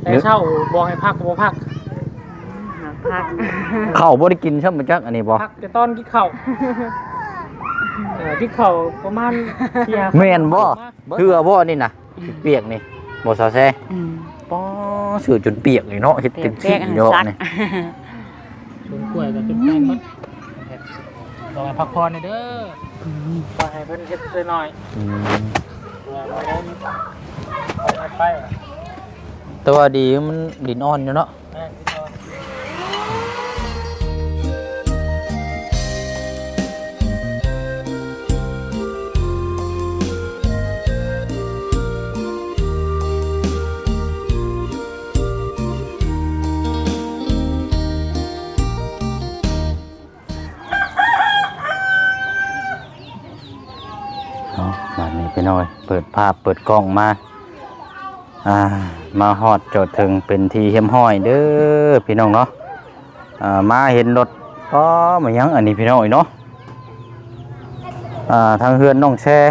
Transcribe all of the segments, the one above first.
แต่เช้าบอกให้พักก็บ่พักข้าวบ่ได้กินใช่มั้ยจักอันนี้บ่พักแต่ตอนกินข้าวกินข้าวประมาณแม่นบ่เหือบ่นี่น่ะเปียกนี่บ่ซาแซ่ป้อสื่อจนเปียกนี่เนาะเฮ็ดเป็นขี้เยอะนี่ชวนกล้วยก็จนแป้งมันลองให้พักผ่อนเด้อขอให้เพิ่นเฮ็ดหน่อยไปแต่ว่าดีมันดินอ่อนอยู่เนาะแบบนี้ไปหน่อยเปิดภาพเปิดกล้องมาฮอดจอดถึงเป็นทีเฮียมห้อยเด้อพี่น้องเนาะมาเห็นรถก็มายังอันนี้พี่น้องเนาะทางเฮือนน้องแช่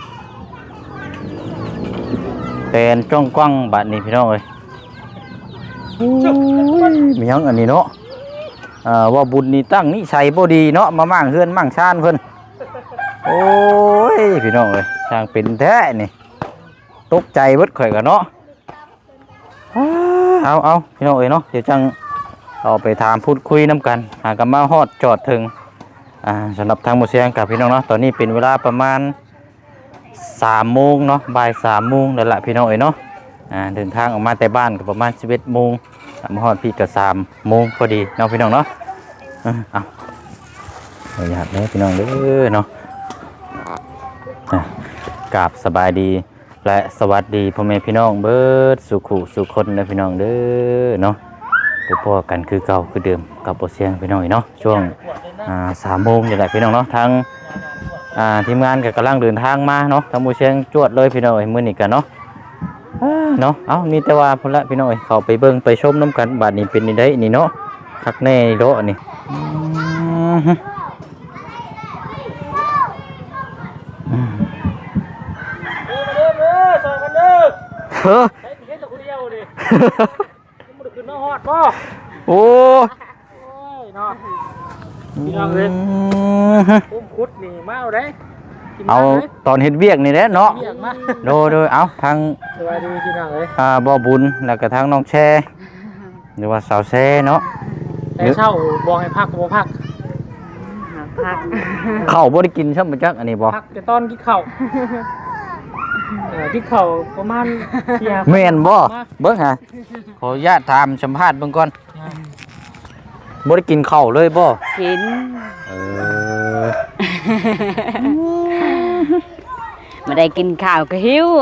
เป็นจ้องกว้างบัดนี้พี่น้องเลยมายังอันนี้เนาะว่าบุญนี่ตั้งนิสัยบ่ดีเนาะมามั่งเฮือนมั่งชานเพิ่นโอ้ยพี่น้องเอ้ยช่างเป็นแท้นี่ตกใจเบิดข่อยกันเนาะเอาพี่น้องเอ้ยเนาะเดี๋ยวจังเอาไปถามพูดคุยน้ำกันหากันมาฮอดจอดถึงสำหรับทางหมู่เสียงกับพี่น้องเนาะตอนนี้เป็นเวลาประมาณ3 โมงเนาะบ่าย 3 โมงแล้วล่ะพี่น้องเอ้ยเนาะเดินทางออกมาแต่บ้านก็ประมาณ11 โมงมาฮอดพี่ก็3 โมงพอดีเนาะพี่น้องเนาะเอาอยากได้พี่น้องเด้อเนาะกราบสบายดีและสวัสดีพ่อแม่พี่น้องเบิดสุขุสุคนนะพี่น้องเด้อเนาะพบกันคือเก่าคือเดิมกับโอเชียงพี่น้องเนาะช่วง3 โมงนี่แหละพี่น้องเนาะทางทีมงานก็กำลังเดินทางมาเนาะทางโอเชียงจวดเลยพี่น้องมื้อนี้กันเนาะมีแต่ว่าพุ่นละพี่น้องเข้าไปเบิ่งไปชมน้ำกันบาดนี้เป็นนี่ได้นี่เนาะคักแน่โดะนี่เฮ้ยเฮ็ดแต่คนเดียวดิมันขึ้นมาฮอดบ่โอ้ยเนาะพี่น้องเอ้ยคุดนี่มาเอาได้เอาตอนเฮ็ดเวียกนี่แหละเนาะโดยเอาทางสวัสดีพี่น้องเอ้ยบ่บุญแล้วก็ทางน้องแช่หรือว่าสาวแช่เนาะแต่เช้าบอกให้พักก็บ่พักข้าวบ่ได้กินใช่มั้ยจักอันนี้บ่พักแต่ตอนกินข้าวที่เขาประมาณแม่นบ่เบิ่งหาขออนุญาตถามสัมภาษณ์เบิ่งก่อนบ่ได้กินข้าวเลยบ่กินไม่ได้กินข้าวก็หิว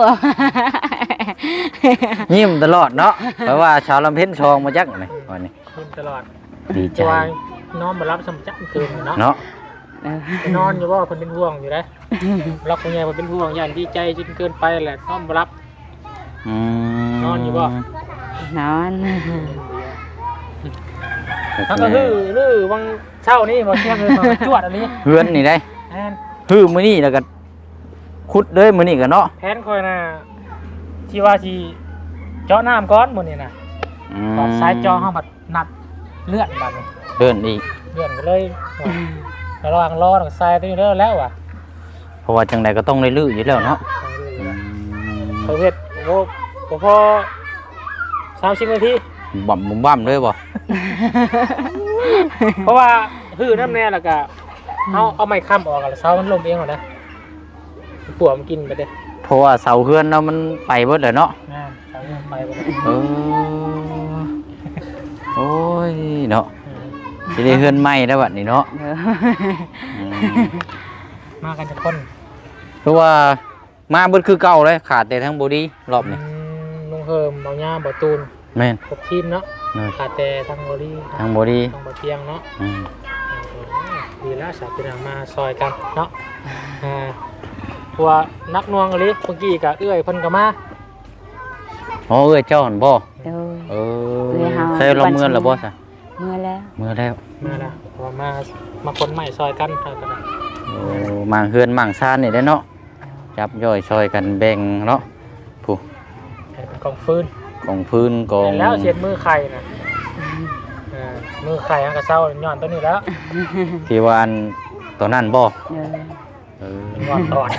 ยิ้มตลอดเนาะเพราะว่าชาวลำเพ็ญชองมาจักนี่วันนี้ยิ้มตลอดดีใจนอนมารับสมจักคืนเนาะนอนอยู่ว่าคนเป็นห่วงอยู่นะรับคนใหญ่คนเป็นห่วงอย่างดีใจจนเกินไปแหละนอนมารับนอนอยู่ว่นอนทั้งก็ฮือวังเช้านี่มาเที่ยงเลยมาจวดอันนี้เฮือนนี่ได้ฮือมื้อนี้แล้วก็ขุดเลยมื้อนี้กันเนาะแผนคอยน่ะที่ว่าสิเจาะน้ำก้อนมื้อนี้น่ะตอนสายเจาะเฮาบัดนัดเลื่อนบัดนี้เลื่อนอีกเลื่อนก็เลยระวังรอดทรายตัวนี้แล้วอ่ะเพราะว่าจังใดก็ต้องได้ลื้ออยู่แล้วเนาะประเภทโอ้พอ30 นาทีบ่มเลยบ่เพราะว่าหื้อน้ำแน่แล้วก็เอาไม้ค้ำออกแล้วเสามันล้มเองหรอนะปวดมันกินไปเด้เพราะว่าเสาเฮือนเนาะมันไปเบิดเลยเนาะเสาเฮือนไปเบิดโอ้ยเนาะสิได้เฮือนใหม่แล้วบัดนี้เนาะมากันจะคนเพราะว่ามาเบิดคือเก่าเลยขาดแต่ทั้งบอดี้รอบนี้ลุงเฮิมเบาหญ้าเบาตูนแม่นครบทีมเนาะขาดแต่ทั้งบอดี้ทั้งบอดี้ทั้งบอเทียงเนาะดีแล้วสาวเป็นมาซอยกันเนาะตัวนักนวงอะไรเมื่อกี้กับเอื้อยพันกับมาเอื้อยเจ้าหันบ่ใส่ลงเมื่อหรือบ่ซะเมื่อแล้วพอมาคนใหม่ซอยกันเท่ากันมั่งเฮือนมั่งซ่านนี่ได้เนาะจับย่อยซอยกันแบ่งเนาะผู้กองฟืนองพื้นกองแล้วเช็ดมือไข่น่ะมือไข่อันก็เศร้าย้อนตัวนี้แล้วที่ว่าอันตัวนั้นบ่เออย้อนตอน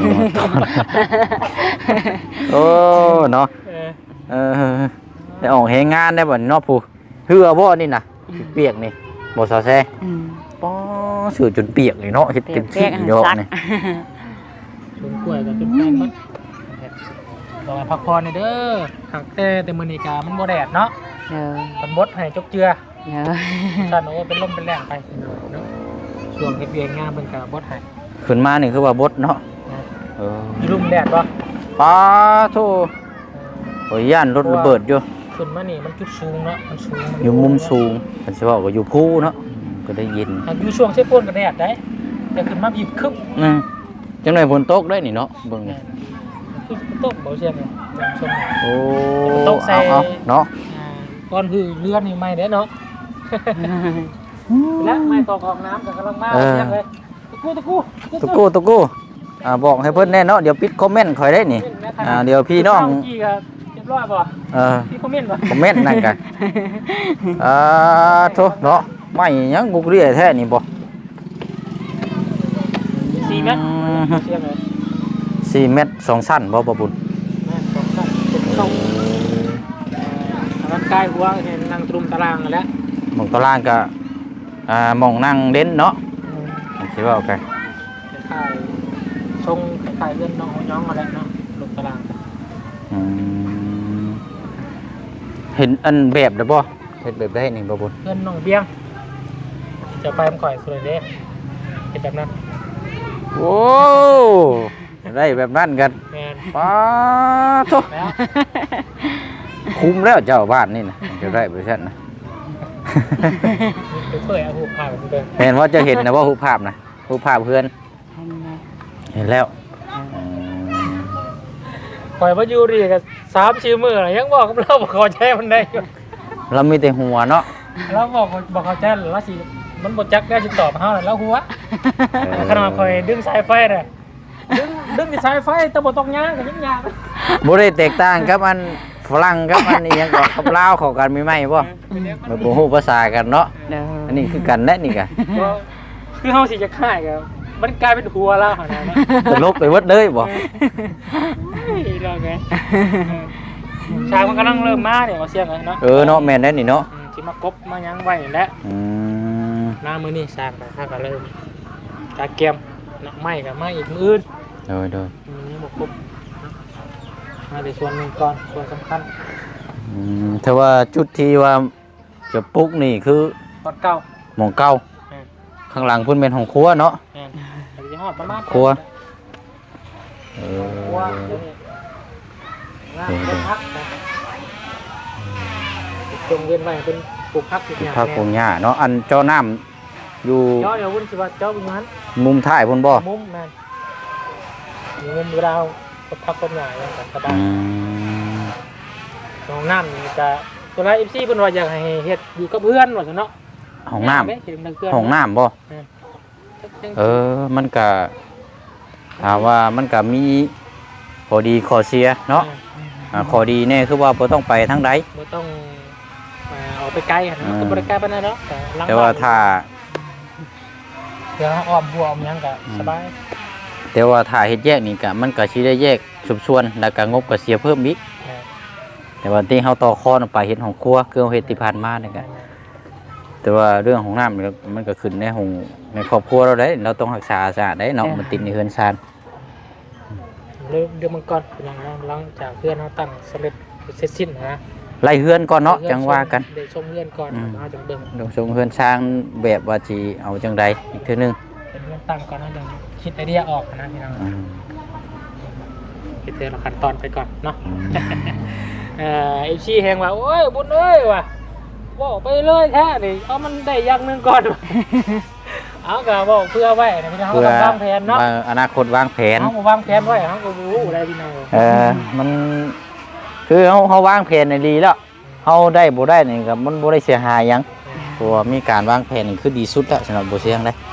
โอ้เนาะได้ออกแฮงงานได้บ่เนาะผู้เหือบ่นี่น่ะเปียกนี่บ่ซอแซ่ ป้อสื่อจนเปียกเลยเนาะเฮ็ดเต็มที่เนาะนี่ลุงกล้วยก็จนแป้งมันต้องให้พักผ่อนหน่อยเด้อหักแต่มื้อนี้ก็มันบ่แดดเนาะเออมันบดให้จกเจือเออซั่นโอ้เป็นลมเป็นแรงไปเนาะช่วงเฮ็ดเวียกงานเพิ่นก็บดให้ขึ้นมานี่คือว่าบดเนาะเออมีลุ่มแดดบ่ป้าโธ่โอ้ยย่านรถระเบิดอยู่ขึ้นมานี่มันจุดสูงเนาะมันสูงอยู่มุมสูงมันสิว่าก็อยู่ภูเนาะก็ได้ยินอยู่ช่วงเช้ป่นก็แดดได้แต่ขึ้นมาบีบคึบจังได๋ฝนตกได้นี่เนาะเบิ่งนี่คือตกบ่เสียงเลยชมโอ้ตกใส่เอาเนาะก่อนคือเรือนนี่ใหม่เด้เนาะและไม้ตอกออกน้ำก็กำลังมาเสียงเลยตะกู้ตุกูบอกให้เพิ่นแน่เนาะเดี๋ยวปิดคอมเมนต์ข่อยได้นี่เดี๋ยวพี่น้องพี่ก็เรียบร้อยบ่พี่คอมเมนต์บ่คอมเมนต์นั่นกันโธ่เนาะไม่หยังกุกเรียแท้นี่บ่ 4 เมตรเสียงเลย 4 เมตร 2 ชั้นบ่บ่บุญแม่2 ชั้นเข้าร่างกายหัวเห็นนั่งตรุมตารางแล้วหม่องตารางก็หม่องนั่งเด่นเนาะสิว่าโอเคถ่ายทรงถ่ายเรื่องน้องย้องมาแล้วเนาะตรุมตารางเห็นอันแบบได้บ่เฮ็ดแบบได้นี่บ่บุญเพื่อนน้องเบี้ยงจะไปมันข่อยสุดเลยเป็นแบบนั้นโอ้ได้แบบนั้นกันแม่นป้าโธ่แล้วคุ้มแล้วเจ้าบ้านนี่นะจะได้ไปซั่นนะเพื่อเอาหูผ่าไปเดินเห็นว่าจะเห็นนะว่ารูปภาพนะรูปภาพเพื่อนเห็นแล้วข่อยมาอยู่ดีกับ3-4 มื้อยังบอกกับเราบอกเขาแจ้มันได้เรามีแต่หัวเนาะเราบอกเขาแจ้แล้วสิมันบ่จักได้สิตอบเฮาแล้วหัวขนาดข่อยดึงสายไฟน่ะดึงสายไฟแต่บ่ต้องย่างก็ยังย่างบ่ได้แตกต่างกับอันฝรั่งกับอันอีหยังก็กับลาวเข้ากันมีไหมบ่มันบ่ฮู้ภาษากันเนาะอันนี้คือกันแน่นี่ก็คือเฮาสิจะค่ายก็มันกลายเป็นหัวแล้วหั่นน่ะตลกไปหมดเลยบ่เรื่องไงชายมันกำลังเริ่มมาเนี่ยเอาเสียงเนาะเนาะแม่นแน่นี่เนาะที่มากบมายังไว้แล้วอืมหน้ามือนี่สร้างไปถ้าก็เริ่มตาเกียมเนาะไม่กับไม่อีกมืออื่นโดยมันนี่บกบมาในส่วนหนึ่งก่อนส่วนสำคัญถ้าว่าจุดที่ว่าจะปลุกนี่คือตอนเก่าหม่องเก่าข้างหลังเพิ่นเป็นห้องครัวเนาะแม่นอันนี้ฮอดประมาณครัวครัวเดี๋ยวนี้งานเป็นพักนะจงเวียนไว้เป็นปลูกพักอีกอย่างผักปงหญ้าเนาะอันเจ้าน้ำอยู่เจ้าเดี๋ยววุ่นสิว่าเจ้าเป็นงั้นมุมท้ายพุ่นบ่มุมแม่นมีมุมเวลาพักต้นใหญ่ยังกันสบายห้องน้ำนี่จะตัวไรเอฟซีเพิ่นว่าอยากให้เฮ็ดอยู่กับเพื่อนว่าซั่นเนาะห้องน้ำเฮ็ดกับเพื่อนห้องน้ำบ่มันก็ถามว่ามันก็มีข้อดีข้อเสียเนาะข้อดีเนี่ยคือว่าบ่ต้องไปทางใดบ่ต้องออกไปไกลหั่นก็บ่ได้ไกลปานนั้นเนาะหลังแต่ว่าถ้าเดี๋ยวอ้อมหัวอ้อมหยังก็สบายแต่ว่าถ้าเฮ็ดแยกนี่ก็มันก็สิได้แยกสุบส่วนแล้วก็งบก็เสียเพิ่มอีกแต่ว่าที่เฮาต่อคอนไปเฮ็ดของครัวคือเฮ็ดที่ผ่านมานี่ก็แต่ว่าเรื่องของน้ำมันก็ขึ้นในของในครอบครัวเราได้เราต้องรักษาสะอาดได้เนาะมันติดในเฮือนซานเดี๋ยวมันก่อนเป็นหยังหลังจากเพื่อนเฮาตั้งสำเร็จเสร็จสิ้นนะไล่เฮือนก่อนเนาะจังว่ากันได้ชมเพื่อนก่อนมาจังเบิ่งลงส่งเฮือนสร้างแบบว่าสิเอาจังใดอีกเทื่อนึงเป็นเพื่อนตั้งก่อนนะจังคิดไอเดียออกนะพี่น้องคิดแต่ละขั้นตอนไปก่อนเนาะไอชีแหงว่าโอ้ยบุญเอ้ยว่ะบอกไปเลยแท้นี่เอามันได้อย่างนึงก่อนเอาก็บอกเพื่อไว้นะพี่น้องเขาต้องวางแผนเนาะอนาคตวางแผนเขาวางแผนไว้เขาก็รู้อะไรพี่น้องมันคือเฮาวางแผนในดีแล้วเฮาได้บ่ได้นี่ก็มันบ่ได้เสียหายหยังเพราะว่ามีการวางแผนนี่คือดีสุดแล้วสำหรับบ่เสียงได้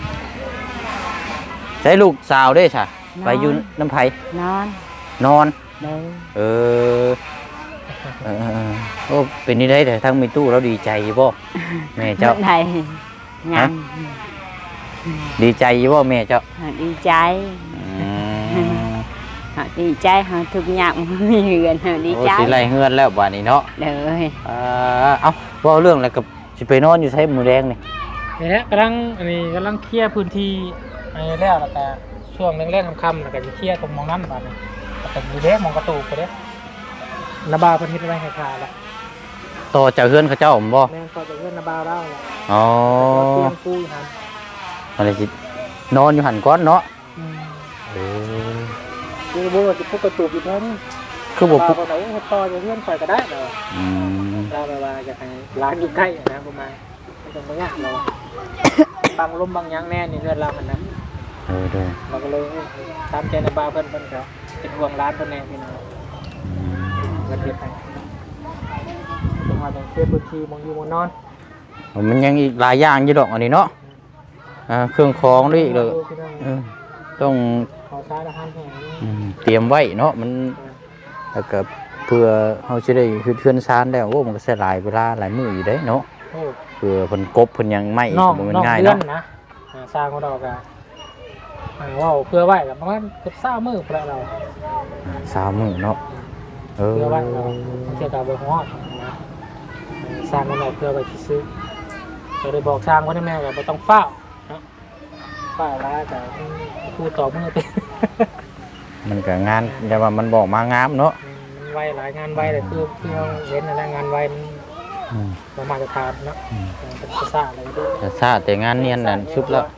ใช้ลูกสาวเด้ซะไปอยู่น้ำไผนอนนอนเด้อเออโอ้เป็นนี่ได้แต่ทั้งมีตู้แล้วดีใจบ่แม่เจ้าเมื่อใดยังดีใจบ่แม่เจ้าดีใจอืมดีใจทุกอย่างมีเงินดีโอ้ใจสิไล่เฮือนแล้วบัดนี้เนาะเด้อเอ้าเว้าเรื่องอะไรกับสิไปนอนอยู่ไสมื้อแดงนี่นี่แหละกำลังเคลียร์พื้นที่อะไรแล้วแต่ช่วงแรกๆค่ำๆแล้วก็จะเคลียร์ตรงมองนั่นบัดนี้แล้วก็มีเด็กมองกระตูกไปเด้นาบาวเพิ่นเฮ็ดไว้ให้ทาแล้วต่อจากเฮือนเขาเจ้าผมบ่แม่นก็จะเฮ็ดนาบาวแล้วล่ะอ๋อเตรียมปูอยู่หั่นอะไรสินอนอยู่หันก้อนเนาะ เออคือบ่ว่าสิพกกระตูกอยู่แท้นี่คือบ่บ่ปุ๊บบ่ไหนเฮ็ดต่อจะเฮือนข่อยก็ได้เนาะอืมเราแบบว่าอยากให้ร้านอยู่ใกล้นะประมาณไม่ต้องมายากเราบางลมบางหยังแน่นี่เฮือนเรามันนะเออเด้อเราก็เลยตามใจนาบาวเพิ่นก็เป็นห่วงร้านเพิ่นแน่พี่น้องอืมเงินเฮ็ดให้จังหวัดจังเทพพื้นที่มองอยู่มองนอนมันยังอีกหลายอย่างอยู่ดอกอันนี้เนาะเครื่องของด้วยอีกเลยต้องขอใช้อาหารแห้งนี่เตรียมไว้เนาะมันแล้วก็เพื่อเฮาสิได้เฮือนซานแล้วโอ้มันก็ใช้หลายเวลาหลายมื้ออยู่เด้เนาะโอ้เพื่อเพิ่นกบเพิ่นยังไม่นอกบ่แมันนอกง่ายเดือนเนาะนะสร้างของเราก็ว่าเพื่อไว้กับประมาณเกือบ20มื้อพระเรา 3มื้อเนาะเออเพื่อไว้เราเกี่ยวกับบ่ฮอดนะสร้างมันออกเพื่อไว้ซื้อก็ได้บอกสร้างว่าแม่ก็บ่ต้องเฝ้าเนาะเฝ้าแล้วก็พูดต่อมื้อเต็มมันก็งานแต่ว่ามันบอกมางามเนาะมันไวหลายงานไวเลยคือเราเห็นอะไรงานไวมันอืมประมาณจะทานเนาะเป็นภาษาอะไรด้วยแต่ซาแต่งานเนียนนั่นชุบแล้ว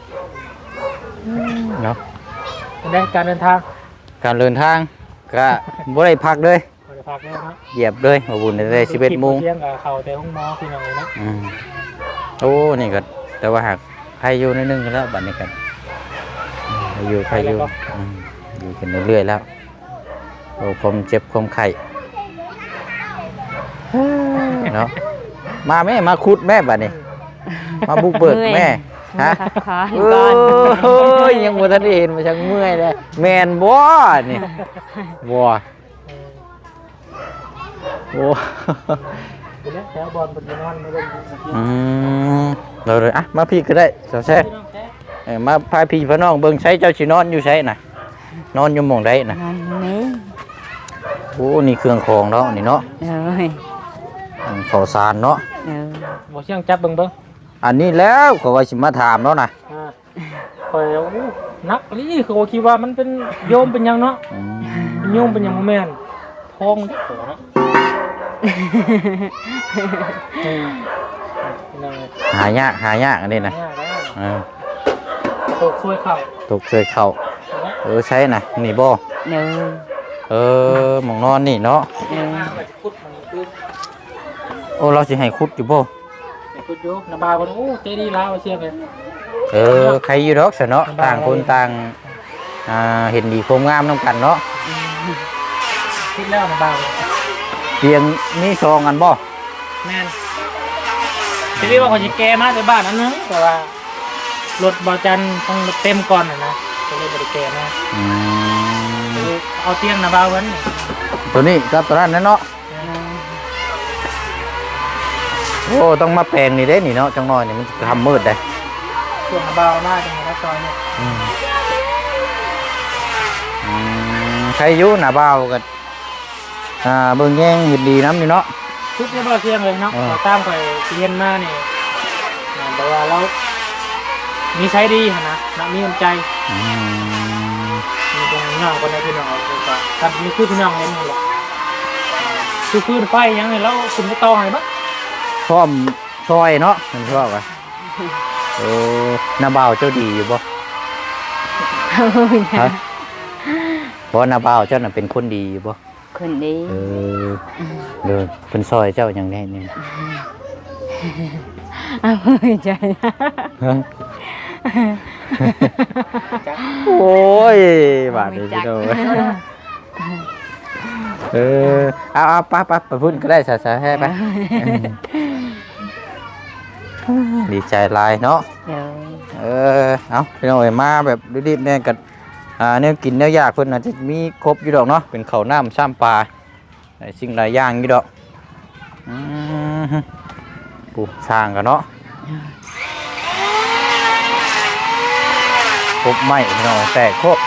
เนาะเป็นได้การเดินทางการเดินทางก็บ่ได้พักเลยบริพักเนี่ยเนาะเหยียบเลยมาบุญได้11โมงเที่ยงกับเขาแต่ห้องหมอพี่น้องเลยเนาะโอ้นี่ก็แต่ว่าหากใครอยู่ในนึงกันแล้วบัดนี้กันอยู่ใครอยู่อยู่กันเรื่อยๆแล้วโอ้ความเจ็บความไข้เนาะมาแม่มาขุดแม่บัดนี้มาบุกเบิกแม่ฮะขอโอก่อน้ยยังบ่ทันได้เห็นมาชักเมื่อยเลยแม่นบ่นี่บ่โอ้เป็นแล้วแถวบอลเป็นนอนไม่ได้เราเลยอ่ะมาพี่ก็ได้เจ้าแซ่มาพาพี่พี่น้องเบิ่งใช้เจ้าสินอนอยู่ใช้น่ะนอนอยู่หม่องใดน่ะนอนนี้โอ้นี่เครื่องของเนาะนี่เนาะเด้อข้าวสารเนาะเด้อบ่เชี่ยงจับเบิ่งอันนี้แล้วเขาว่าสิมาถามเนาะน่ะคอยนักนี่เขาคิดว่ามันเป็นโยมเป็นยังเนาะโยมเป็นยังแม่นทองเด้อเนาะหายากอันนี้น่ะตกช่วยเข่าตกเคยเข้าใช้น่ะนี่บ่เด้อหม่องนอนนี่เนาะเด้อขุดมันคือโอ้เราสิให้ขุดอยู่บ่ขุดอยู่นาบาคนโอ้เจดีลาวเชี่ยเลยใครอยู่ดอกซะเนาะต่างคนต่างเห็นดีความงามนํกันเนาะคิดแล้วนาบาเตียงมีซองกันบ่แม่นทีนี้ว่าเขาจะแก้มาในบ้านนั้นนึงแต่ว่ารถบอจันต้องเต็มก่อนนะก็เลยบริแก้มาเอาเตียงนาบาวันนี่ตัวนี้กับตัวนั้นเนาะโอ้ต้องมาแปลงนี่เด้นี่เนาะจังน้อยนี่มันทำมืดได้ช่วงนาบามาจังหวัดซอยเนี่ยใครอยู่หน้าบ้าวกันเบิ่งแย่งเห็นดีน้ำนี่เนาะทุกเนี่ยเราเที่ยงเลยเนาะเราตามไปเรียนมาเนี่ยแต่ว่าเรามีใช้ดีนะมีน้ำใจมีตรงน้องคนในพี่น้องก็ทำมีคือพี่น้องเล่นนี่แหละคือพื้นไฟยังไงแล้วคุณไม่ต่อให้บ้างพร้อมซอยเนาะมันชอบอ่ะหน้าบ้าวเจ้าดีอยู่บ่ฮะเพราะหน้าบ้าวเจ้าน่ะเป็นคนดีอยู่บ่คนดีเด้อเป็นซอยเจ้าอย่างแน่นี่เอาใจโอ้ยบาดนี้พี่น้องเอาไปพุ่นก็ได้สาๆให้ไปดีใจหลายเนาะเด้อเอาพี่น้องมาแบบรีบๆแน่กันแนวกินแนวยากเพิ่นอาจจะมีครบอยู่ดอกเนาะเป็นข้าวน้ำซ้ำปลาสิ่งหลายอย่างอยู่ดอกปูสร้างกันเนาะครบไหมพี่น้องแต่ครบ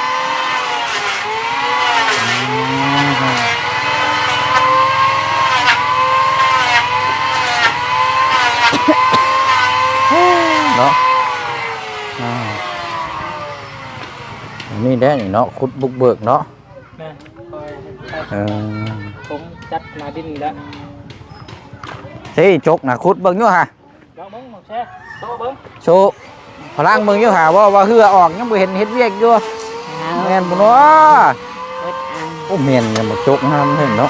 เนาะนี่ได้นี่เนาะขุดบุกเบิกเนาะแม่คอย ผมจัดมาดินแล้วเฮ้ยจกนะขุดเบิ่งอยู่ฮะลองเบิ้งหมดแช่โตเบิ้งโชว์พลังเบิ่งอยู่ฮะว่าเหือออกยังบ่เห็นเฮ็ดเวียกอยู่แม่นบ่เนาะโอ้แม่นเนี่ยบ่จกห้ามเห็นเนาะ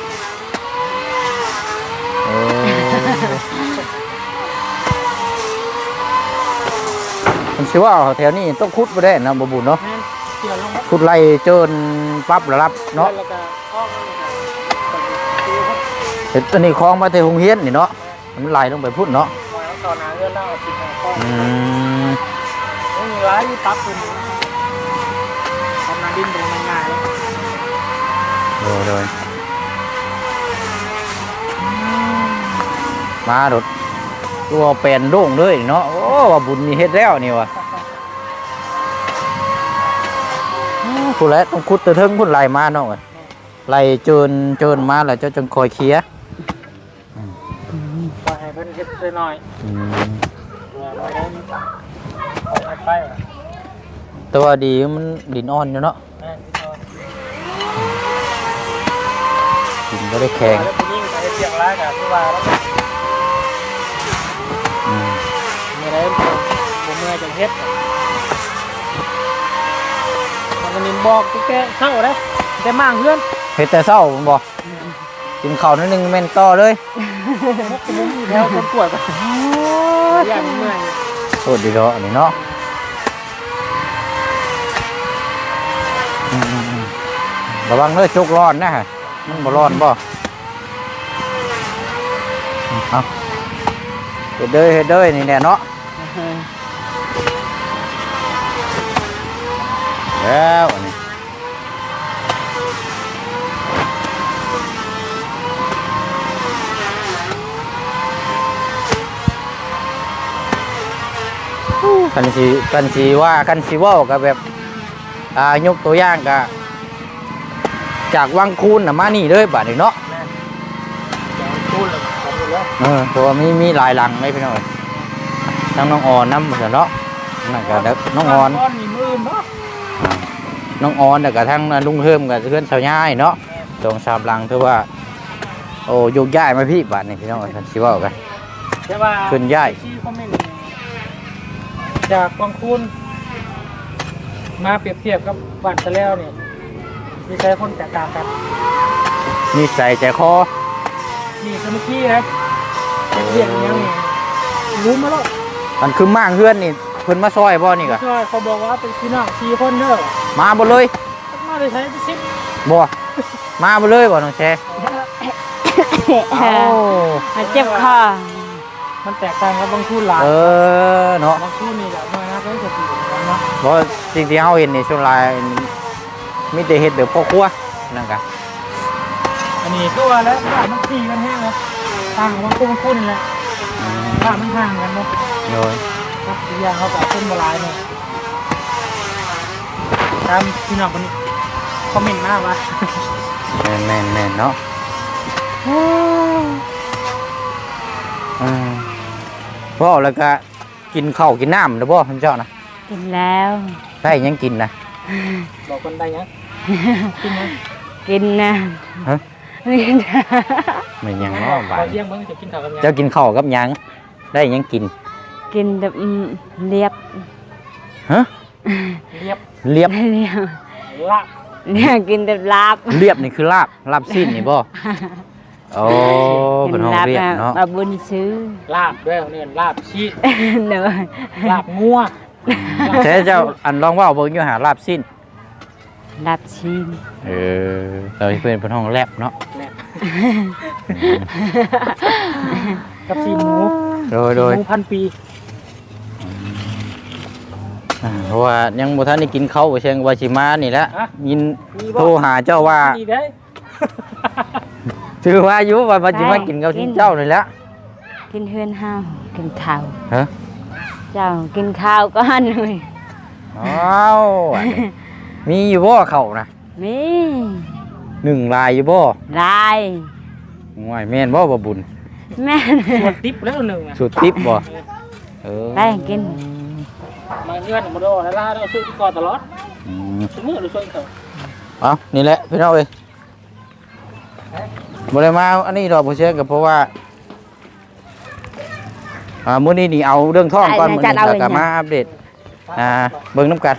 มันสิว่าแถวนี้ต้องขุดบ่ได้นะบ่บุญเนาะเกี่ยวลงขุดไล่เจินปั๊บแล้วรับเนาะแล้วก็อ้อมเฮ็ดอันนี้คลองมาแต่โรงเรียนนี่เนาะมันไหลลงไปพุ่นเนาะมาแล้วตอนนั้นเรื่องเล่าสิบห้าข้อ ไม่มีร้ายที่ปั๊บคุณทำนาดินตรงมันง่ายแล้วโดยมาโดดตัวเป็นโด่งเลยเนาะโอ้ว่าบุญมีเฮ็ดแล้วนี่วะผู้แลต้องขุดตะเทิงพุ่นไหลมาเนาะไหลเจินมาแล้วเจ้าจังคอยเคลียร์ก็ให้เพิ่นเฮ็ดหน่อยไม่ได้ไปแต่ว่าดีมันดินอ่อนอยู่เนาะดินก็ได้แข็งแล้วผู้หญิงไปเสียงร้ายกับผู้ว่าแล้วไม่ได้บ่เมื่อยจังเฮ็ดมันนินบอกแกเข้าได้แต่มั่งเพื่อนเฮ็ดแต่เช้าผมบอกกินข้าวนิดนึงแม่นต่อเลยมุมแถวคนป่วยก็อย่างเมื่อยโคตรดีเนาะอันนี้เนาะระวังเด้อจุกร้อนนะฮะมันบ่ร้อนบ่เอาเฮ็ดเด้อนี่แน่เนาะแล้วอันนี้กันสีว่ากันสีว่ากับแบบยกตัวอย่างกับจากวังคูนมานี่เลยบาดนี้เนาะเพราะว่ามีหลายหลังเลยพี่น้องทั้งน้องอ่อนน้ำเนาะนั่นก็น้องอ่อนน้องอ่อนแต่กับทั้งลุงเฮิมกับเพื่อนสาวย่ายเนาะตรงสามหลังถือว่าโอ้ยกย้ายมาพี่บาดนี้พี่น้องกันสีว่ากันขึ้นย้ายจากบางคูนมาเปรียบเทียบกับบ้านตะแล้วเนี่ยมีใช้คนแตกต่างกันนี่ใส่ใจคอนี่คือเมื่อกี้ครับเรียกอย่างนี้รู้มาแล้วมันคือมากเพื่อนนี่เพิ่นมาซอยบ่นี่กะใช่เขาบอกว่าเป็นพี่น้อง4 คนเด้อมาบ่เลยมาได้ใช้ไป10 บ่มาบ่เลยบ่น้องแชร์มาเจ็บคอมันแตกต่างกับบางคูนหลายเนาะบางคูนนี่แหละมานะก็จะอยู่กันเนาะเพราะสิ่งที่เฮาเห็นนี่ส่วนหลายมีแต่เฮ็ดแบบพ่อครัวนั่นกะอันนี้ก็ว่าแล้วบ้านมันขี่กันแห้งเลยต่างบางคูนนี่แหละบ้านมันห่างกันเนาะโดยครับอีกอย่างเขาก็ต้นบลายเนี่ยตามพี่น้องคนนี้คอมเมนต์มากวะแม่นเนาะพ่อแล้วก็กินข้าวกินน้ำนะบ่ท่านเจ้านะกินแล้วใช่ยังกินนะบอกคนใดยังกินยังกินนะฮะกินมันยังเนาะบ่าพอเที่ยงเพิ่งจะกินข้าวกับยังเจ้ากินข้าวกับหยังได้ยังกินกินแบบเรียบฮะเรียบเรียบเรียบลาบเนี่ยกินแบบลาบเรียบนี่คือลาบสิ้นนี่บ่โอ้เป็นห้องเรียบเนาะมาบุญซื้อลาบด้วยเนี่ยลาบชีสเนอะลาบงัวใช่เจ้าอันลองว่าเบิ่งอยู่หาลาบสิ้นลาบชีนเราเพื่อนเป็นห้องแลบเนาะแลบกับซีหมูโดยหมู1,000 ปีเพราะว่ายังบ่ทันได้กินข้าวเชียงว่าสิมานี่แหละยินโทรหาเจ้าว่าดีได้ชื่อว่าอยู่ว่าสิมากินกับเจ้านี่แหละกินเฮือนเฮากินข้าวฮะเจ้ากินข้าวก่อนเลยอ้าวอันนี้มีอยู่บ่ข้าวนะมี 1ลายอยู่บ่ลายง่วยแม่นบ่บ่บุญแม่นหมดติ๊บแล้วหนึ่งอ่ะสุดติ๊บบ่ไปกินมาเงื่อนมาโดนแล้วล่าเราช่วยก่อนตลอดอืมชั่วโมงเราช่วยเขาเอานี่แหละพี่น้องเอ้ยบ่ได้มาอันนี้ดอกบ่เชื่อก็เพราะว่ามื้อนี้นี่เอาเรื่องท้องก่อนมื้อนี้แล้วก็มาอัปเดตเบิ่งน้ำกัน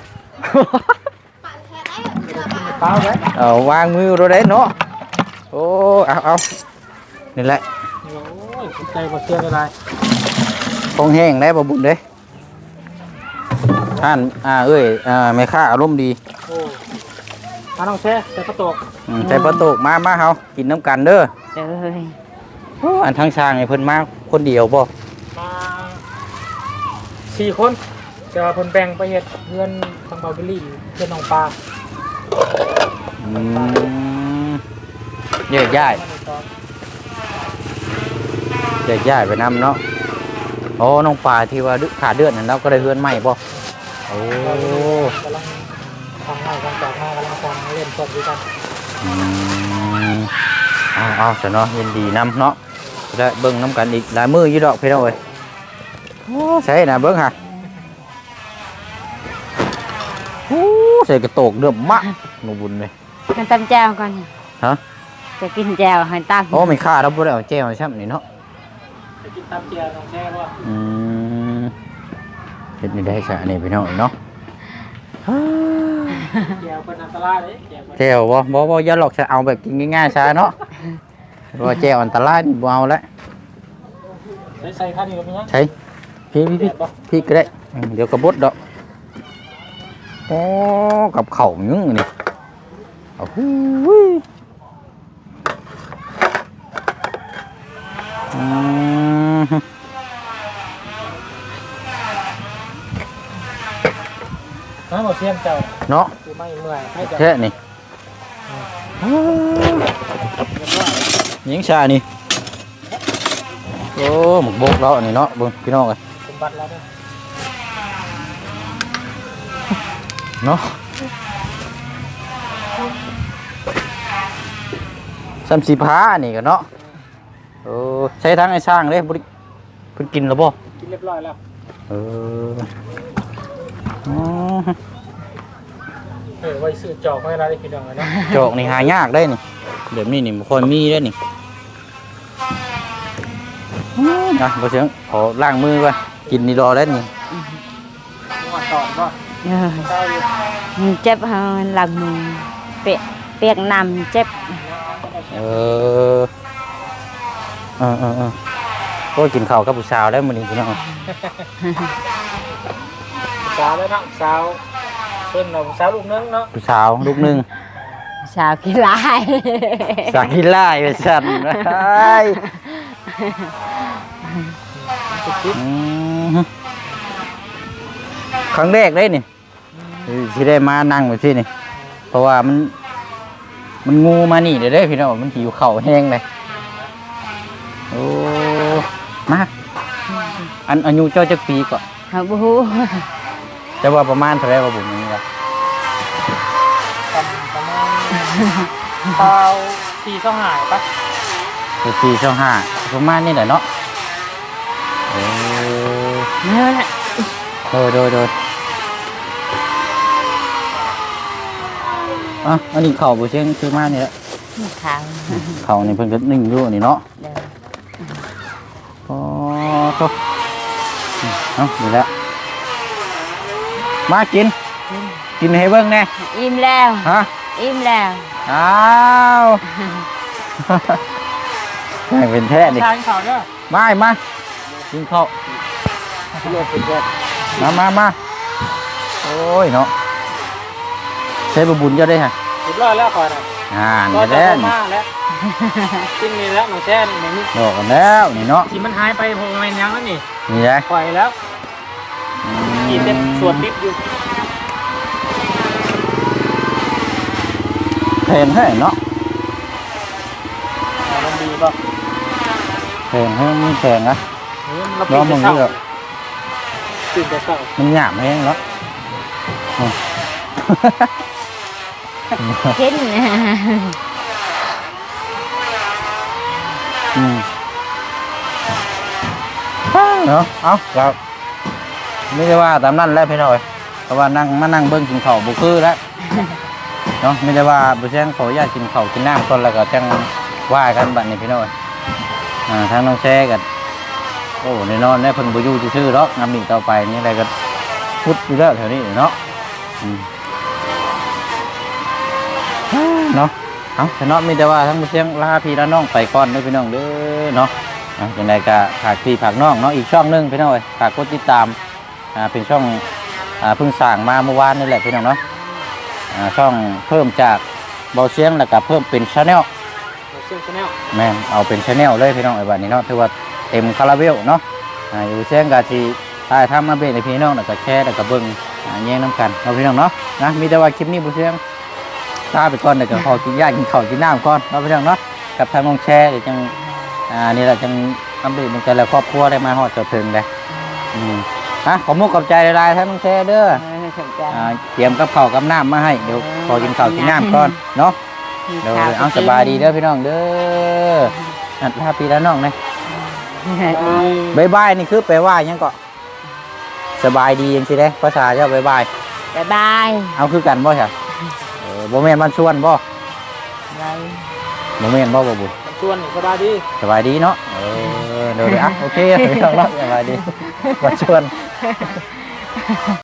เปล่าไหมเอาวางมือเราได้เนาะโอ้เอานี่แหละโอ้ยใจบ่เชื่ออะไรคงแห้งได้บ่บุญเด้ท่านเอ้ยแม่ค้าอารมณ์ดีโอ้มาน้องแช่แต่กระตกใส่ประตูมาเฮากินน้ำกันเด้อเลยอันทั้งช่างไอ้เพิ่นมาคนเดียวบ่มา4 คนจะคนแบ่งไปเฮ็ดเพื่อนทางเบาบิลลี่เพื่อนน้องปลาเยอะย้ายไปนำเนาะโอ้น้องปลาที่ว่าขาเดือดนั่นเราก็ได้เฮือนใหม่บ่โอ้กำลังทำงานกันต่อมากำลังทำเล่นสดด้วยกันเอาซะเนาะยินดีนำเนาะได้เบิ่งน้ำกันอีกหลายมื้ออยู่ดอกพี่น้องเอ้ยโอ้ใช่นะเบิ่งฮะโอ้ใส่กระโตกเดือมมะหนูบุญเลยกันตำแจ่วก่อนฮะจะกินแจ่วให้ตำโอ้ไม่ค่าเราบ่ได้เอาแจ้วใช่มั้ยเนาะจะกินตามเจียน้องแช่ว่าเฮ็ดนี่ได้ซะนี่พี่น้องเนาะเจียวเป็นอันตรายเลยเจียวเป็นแจ้วบ่อย่าหลอกจะเอาแบบกินง่ายๆซะเนาะเพราะว่าแจ้วอันตรายนี่บ่เอาละใส่ข้าวเหนียวมั้ยใช่พี่ก็ได้เดี๋ยวกระบดดอกโอ้กับเข่ายึงนี่โอ้โหน้ำหมดเสียงเจ้าเนาะคือไม่เมื่อยให้เจ้าแค่นี่ยิงชานี่โอ้หมกบกแล้วนี่เนาะเบิ่งพี่น้องเอ้ยสมบัติแล้วเนี่ยเนาะซ้ำสีผ้านี่กันเนาะโอ้ใช้ทั้งไอ้ช่างเลยบ่ได้เพิ่นกินแล้วบ่กินเรียบร้อยแล้วอ๋อไว้ซื้อจอกไว้อะไรพี่น้องเลยนะจอกนี่หายากได้นี่เดี๋ยวนี้นี่บ่ค่อยมีได้นี่นะบ่เสียงขอล้างมือก่อนกินนี่รอได้นี่มาตอนก็เจ้าอยู่มันเจ็บหลังมือเปียกน้ำเจ็บเออก็กินข้าวกับผู้สาวได้มื้อนี้พี่น้องสาวเลยเนาะสาวเพิ่นเราสาวลูกนึงเนาะผู้สาวลูกหนึงชาวกีฬาสากิไล่ไปสั่นไปครั้งแรกเลยนี่ที่ได้มานั่งแบบที่นี่เพราะว่ามันงูมานี่เดี๋ยวได้พี่น้องมันหิวเข่าแห้งเลยโอ้มาอายุเจ้าจักปีก่อนเขาบูจะว่าประมาณเท่าไรว่าผมนี่ละประมาณเตา4ต้องหายปะ 4-5ประมาณนี่แหละเนาะเนื้อน่ะโดยอันนี้เข่าบุเชียงซื้อมานี่แหละขาวเข่านี่เพิ่นก็นึ่งอยู่นี่เนาะเด้อโอ้โตนี่แหละมากินให้เบิ่งแน่อิ่มแล้วฮะอิ่มแล้วอ้าวแม่งเป็นแท้ดิทานข่าวเด้อมากินข้าวมาโอ้ยเนาะใช้บุญเยอะได้ฮะเรียบร้อยแล้วก่อนอ่ะนี่ก็แหจะละมาแล้วจริงนี่แล้วน้องแช่นี่บอกกันแล้วนี่เนาะที่มันหายไปเพราะมันยังแล้วนี่นี่แหละปล่อยแล้วอืมมีเต็มส่วนติดอยู่เพลงให้เนาะมันดีป่ะเพลงให้มันแพงนะเราน้องมึงนี่แบบตื่นแต่เช้ามันหยาบแห้งเนาะเห็นนะเนาะเอาครับไม่ได้ว่าตามนั้นแล้วพี่น้อยเพราะว่านั่งมานั่งเบิ้งกินข้าวบุคือแล้วเนาะไม่ได้ว่าบุเชียงขออนุญาตกินข้าวกินน้ำก่อนแล้วก็จังว่ากันบัดนี้พี่น้อยทางน้องแช่กันโอ้แน่นอนได้เพิ่นบุยูชื่อๆหรอกน้ำหนีต่อไปนี่อะไรก็พุดอยู่แล้วแถวนี้เนาะเนาะเอาแต่เนาะมีแต่ว่าทั้งบุเชียงลาพี่และน้องไปก่อนเด้อพี่น้องเด้อเนาะอย่างไรก็ฝากพี่ฝากน้องเนาะอีกช่องนึงพี่น้องฝากกดติดตามเป็นช่องเพิ่งสร้างมาเมื่อวานนี่แหละพี่น้องเนาะช่องเพิ่มจากเบาเสียงแล้วก็เพิ่มเป็นชาแนลเชื่อมชาแนลแม่นเอาเป็นชาแนลเลยพี่น้องไอ้บัดนี้เนาะถือว่าเต็มคาราเบลเนาะอยู่เสียงก็สิถ่ายทำมาเป็นให้พี่น้องแล้วก็แชร์แล้วก็เบิ่งแย่งน้ำกันเอาพี่น้องเนาะนะมีแต่ว่าคลิปนี้บ่เสียงลาไปก่อนเดี๋ยวก็ขอกินยากินข้าวกินน้ำก่อนเอาพี่น้องเนาะกับทางน้องแชร์เดี๋ยวจังนี่แหละจังอัปเดตในแต่ละครอบครัวได้มาฮอดจนถึงเลยขอมุกขอบใจหลายๆท่านน้องแชร์เด้อเตรียมกับข้าวกับน้ำมาให้เดี๋ยวขอกินข้าวกินน้ำก่อนเนาะเดี๋ยวเอาสบายดีเด้อพี่น้องเด้อลาพี่แล้วน้องเลยบายบายนี่คือแปลว่าหยังก็สบายดียังสิเด้ภาษาเจ้าบายบายบ๊ายบายเอาคือกันบ่ใช่บ่แม่นมันชวนบ่ไรบ่แม่นบ่บุญชวนสบายดีสบายดีเนาะเดี๋ยวโอเคพี่น้องเนาะสบายดีมาชวน